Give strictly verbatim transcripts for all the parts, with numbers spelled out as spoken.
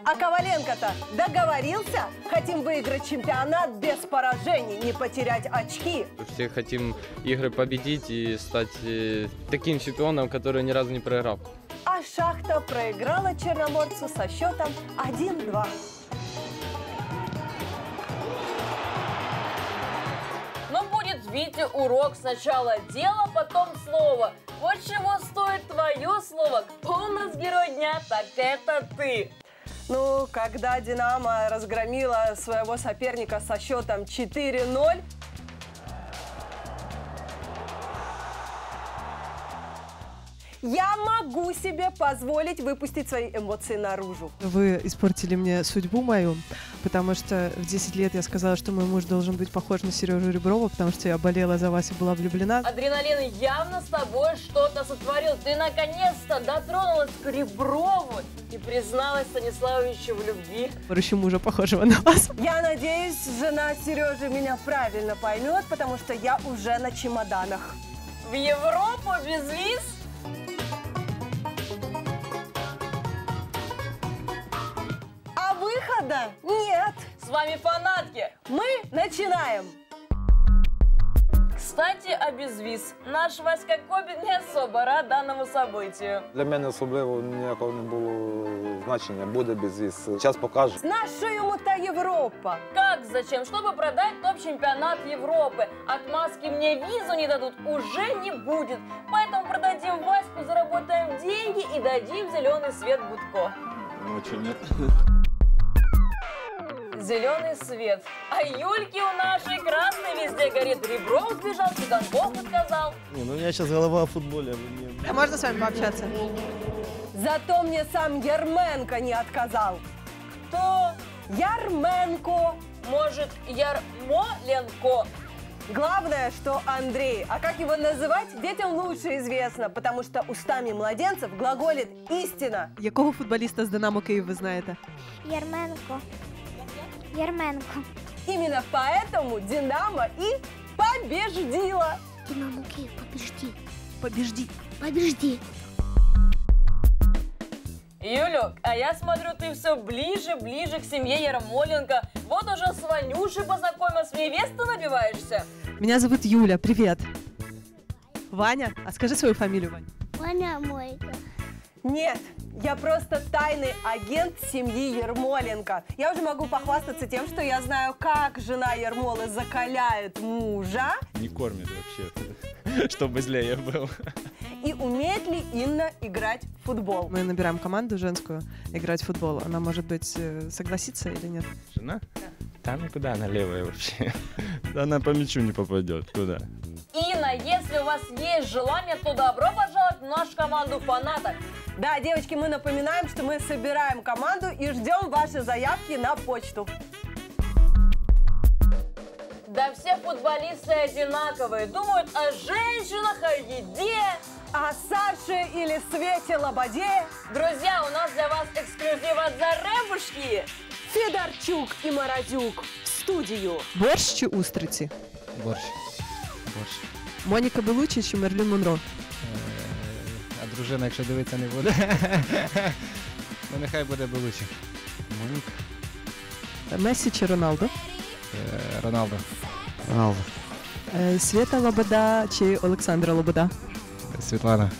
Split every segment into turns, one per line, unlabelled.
А Коваленко-то договорился? Хотим выиграть чемпионат без поражений, не потерять очки.
Все хотим игры победить и стать э, таким чемпионом, который ни разу не проиграл.
А «Шахта» проиграла Черноморцу со счетом один-два.
Ну, будет, Витя, урок. Сначала дело, потом слово. Вот чего стоит твое слово. Кто у нас герой дня, так это ты.
Ну, когда «Динамо» разгромила своего соперника со счетом четыре-ноль, я могу себе позволить выпустить свои эмоции наружу.
Вы испортили мне судьбу мою, потому что в десять лет я сказала, что мой муж должен быть похож на Сережу Реброва, потому что я болела за вас и была влюблена.
Адреналин явно с тобой что-то сотворил. Ты наконец-то дотронулась к Реброву и призналась Станиславовичу в любви.
Еще мужа, похожего на вас.
Я надеюсь, жена Сережи меня правильно поймет, потому что я уже на чемоданах.
В Европу без виз?
А выхода нет.
С вами фанатки.
Мы начинаем.
Кстати, о безвіз. Наш Васька Кобін не особо рад даному событию.
Для мене особливо ніякого не було значення, буде безвіз. Час покаже.
Наша ему та Европа.
Как зачем? Чтобы продать топ-чемпионат Европы. Отмазки мне визу не дадут уже не будет. Поэтому продадим Ваську, заработаем деньги и дадим зеленый свет Будко.
Ну, что нет?
Зеленый свет. А Юльки у нашей красной везде горит. Ребров сбежал, Цыганков отказал.
Не, ну у меня сейчас голова о футболе. Мне...
А можно с вами пообщаться?
Зато мне сам Ярменко не отказал.
Кто?
Ярменко.
Может, Ярмоленко?
Главное, что Андрей. А как его называть, детям лучше известно, потому что устами младенцев глаголит истина.
Якого футболіста з Динамо Київ ви знаєте?
Ярменко. Ярменко.
Именно поэтому «Динамо» и побеждила.
Динамо Киев, побежди.
Побежди.
Побежди.
Юлю, а я смотрю, ты все ближе, ближе к семье Ярмоленко. Вот уже с Ванюшей познакомилась, в невесту набиваешься.
Меня зовут Юля, привет. Ваня, а скажи свою фамилию, Ваня.
Ваня Мойка.
Нет, я просто тайный агент семьи Ярмоленко. Я уже могу похвастаться тем, что я знаю, как жена Ярмолы закаляет мужа.
Не кормит вообще, чтобы злее был.
И умеет ли Инна играть в футбол.
Мы набираем команду женскую играть в футбол. Она, может быть, согласится или нет?
Жена? Там никуда, она левая вообще. Она по мячу не попадет. Куда?
Инна, если у вас есть желание, то добро пожаловать в нашу команду фанаток.
Да, девочки, мы напоминаем, что мы собираем команду и ждем ваши заявки на почту.
Да все футболисты одинаковые. Думают о женщинах, о еде.
А Саше или Свете Лободе?
Друзья, у нас для вас эксклюзив от Заребушки.
Федорчук и Морозюк в студию.
Борщ чи устриці?
Борщ. Борщ.
Моніка Белуччі чи Мерлін Монро?
Е, А дружина, якщо дивитися, не буде. Ну, нехай буде Белуччі. Моніка.
Месі чи Роналдо?
Е, Роналдо.
Роналдо.
Е, Свята Лобода чи Олександра Лобода?
Світлана.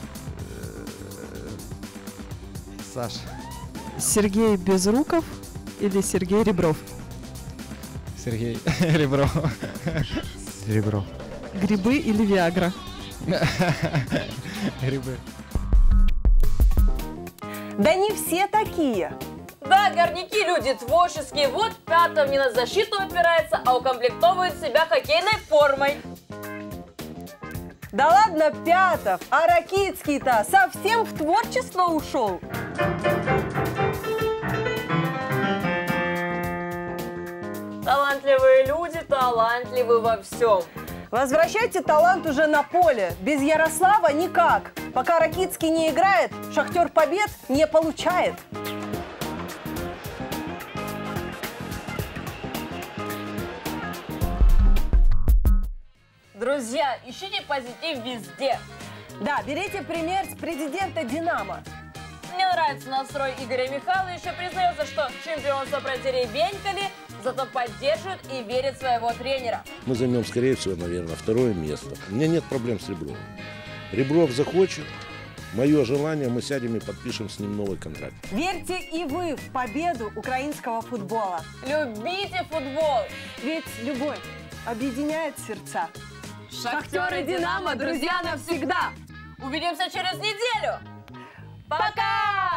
Саша.
Сергей Безруков или Сергей Ребров?
Сергій Ребров.
Ребро.
Грибы или Виагра?
Гриби.
Да не все такие.
Да, горняки люди творческие. Вот Пятов не на защиту опирается, а укомплектовывает себя хоккейной формой.
Да ладно, Пятов, а Ракицкий-то совсем в творчество ушел.
Талантливые люди талантливы во всем.
Возвращайте талант уже на поле. Без Ярослава никак. Пока Ракицкий не играет, Шахтер побед не получает.
Друзья, ищите позитив везде.
Да, берите пример с президента «Динамо».
Не нравится настрой Игоря Михайловича. Признается, что чемпионство продеребенькали, зато поддерживает и верит в своего тренера.
Мы займем, скорее всего, наверное, второе место. У меня нет проблем с Ребровым. Ребров захочет. Мое желание, мы сядем и подпишем с ним новый контракт.
Верьте и вы в победу украинского футбола.
Любите футбол.
Ведь любовь объединяет сердца.
Шахтер и Динамо, друзья навсегда. Увидимся через неделю. Пока!